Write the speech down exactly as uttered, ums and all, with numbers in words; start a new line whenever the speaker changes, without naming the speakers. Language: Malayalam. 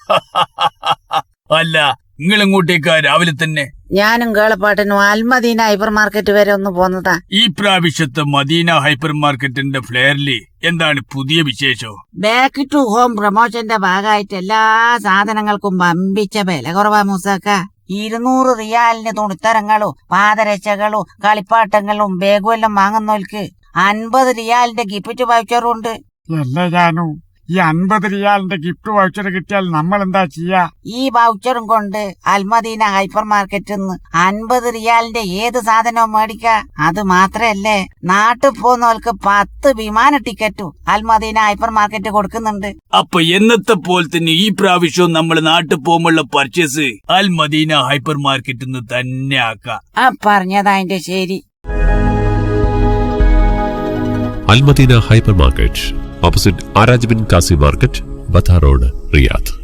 അല്ല, നിങ്ങൾ ഇങ്ങോട്ടേക്കാ രാവിലെ തന്നെ?
ഞാനും കേളപ്പാട്ടനും അൽമദീന ഹൈപ്പർ മാർക്കറ്റ് വരെ ഒന്ന് പോന്നതാ.
ഈ പ്രാവശ്യത്തെ മദീന ഹൈപ്പർ മാർക്കറ്റിന്റെ ഫ്ലെയറില് എന്താണ് പുതിയ വിശേഷം?
ബാക്ക് ടു ഹോം പ്രൊമോഷന്റെ ഭാഗമായിട്ട് എല്ലാ സാധനങ്ങൾക്കും വമ്പിച്ച വില കുറവാ മൂസാക്ക. ഇരുന്നൂറ് റിയാലിന് തുണിത്തരങ്ങളും പാദരക്ഷകളും കളിപ്പാട്ടങ്ങളും ബാഗും എല്ലാം വാങ്ങുന്നവർക്ക് അൻപത് റിയാലിന്റെ ഗിഫ്റ്റ് വൗച്ചറും ഉണ്ട്.
അല്ലേ ജാനു, ഈ അൻപത് റിയാലിന്റെ ഗിഫ്റ്റ് വൗച്ചർ കിട്ടിയാൽ നമ്മൾ എന്താ ചെയ്യാ?
ഈ വൗച്ചറും കൊണ്ട് അൽമദീന ഹൈപ്പർ മാർക്കറ്റിൽ നിന്ന് അൻപത് റിയാലിന്റെ ഏത് സാധനവും മേടിക്കാ. അത് മാത്രല്ലേ, നാട്ടിൽ പോകുന്നവർക്ക് പത്ത് വിമാന ടിക്കറ്റും അൽമദീന ഹൈപ്പർ മാർക്കറ്റ് കൊടുക്കുന്നുണ്ട്.
അപ്പൊ എന്നത്തെ പോലെ തന്നെ ഈ പ്രാവശ്യവും നമ്മൾ നാട്ടിൽ പോകുമ്പോഴുള്ള പർച്ചേസ് അൽമദീന ഹൈപ്പർ മാർക്കറ്റിൽ നിന്ന് തന്നെ ആക്കാം.
ആ പറഞ്ഞതാ അതിന്റെ ശരി.
അൽമദീന ഹൈപ്പർ മാർക്കറ്റ്, ഓപ്പോസിറ്റ് ആരാജ് ബിൻ കാസി മാർക്കറ്റ്, ബത്ത റോഡ്, റിയാദ്.